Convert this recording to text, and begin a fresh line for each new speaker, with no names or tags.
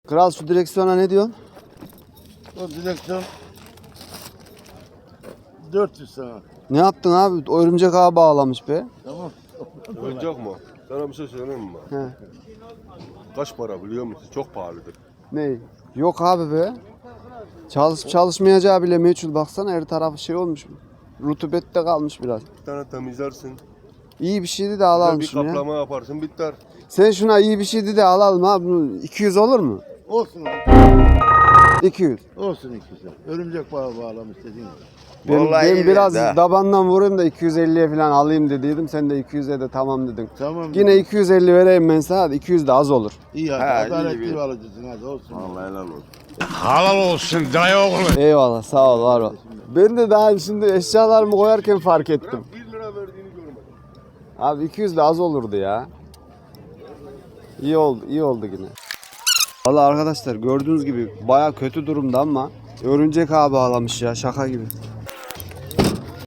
Kral şu direksiyona ne diyorsun?
O direksiyon 400 sana.
Ne yaptın abi? Örümcek ağı bağlamış be.
Tamam.
Oyuncak mı? Sana bir şey söyleyeyim mi?
He.
Kaç para biliyor musun? Çok pahalıdır.
Ne? Yok abi be. Çalışıp çalışmayacağı bile meçhul. Baksana her tarafı şey olmuş. Rutubette kalmış biraz.
Bir tane temizlersin.
İyi bir şeydi de
Bir de bir
alalmışım ya.
kaplama yaparsın biter.
Sen şuna iyi bir şeydi de alalım abi. Bunu 200 olur mu?
Olsun.
200.
Olsun ikisi. Örümcek bağı bağlamış dediğin gibi.
Ben
Vallahi
biraz
evet, ha.
dabandan vurayım da 250'ye falan alayım dediydim. Sen de 200'e de tamam dedin.
Tamam.
Yine 250 vereyim ben sana. Hadi 200 de az olur.
İyi hadi.
Ha, iyi
Adaletli
bir-
bir alıcısın hadi olsun.
Vallahi helal olsun.
Halal olsun dayı oğlu.
Eyvallah sağ ol var ol. Ben de daha şimdi eşyalarımı koyarken fark ettim.
1 lira verdiğini görmedim.
Abi 200 de az olurdu ya. İyi oldu, iyi oldu yine. Vallahi arkadaşlar gördüğünüz gibi baya kötü durumda ama örümcek ağı bağlamış ya şaka gibi.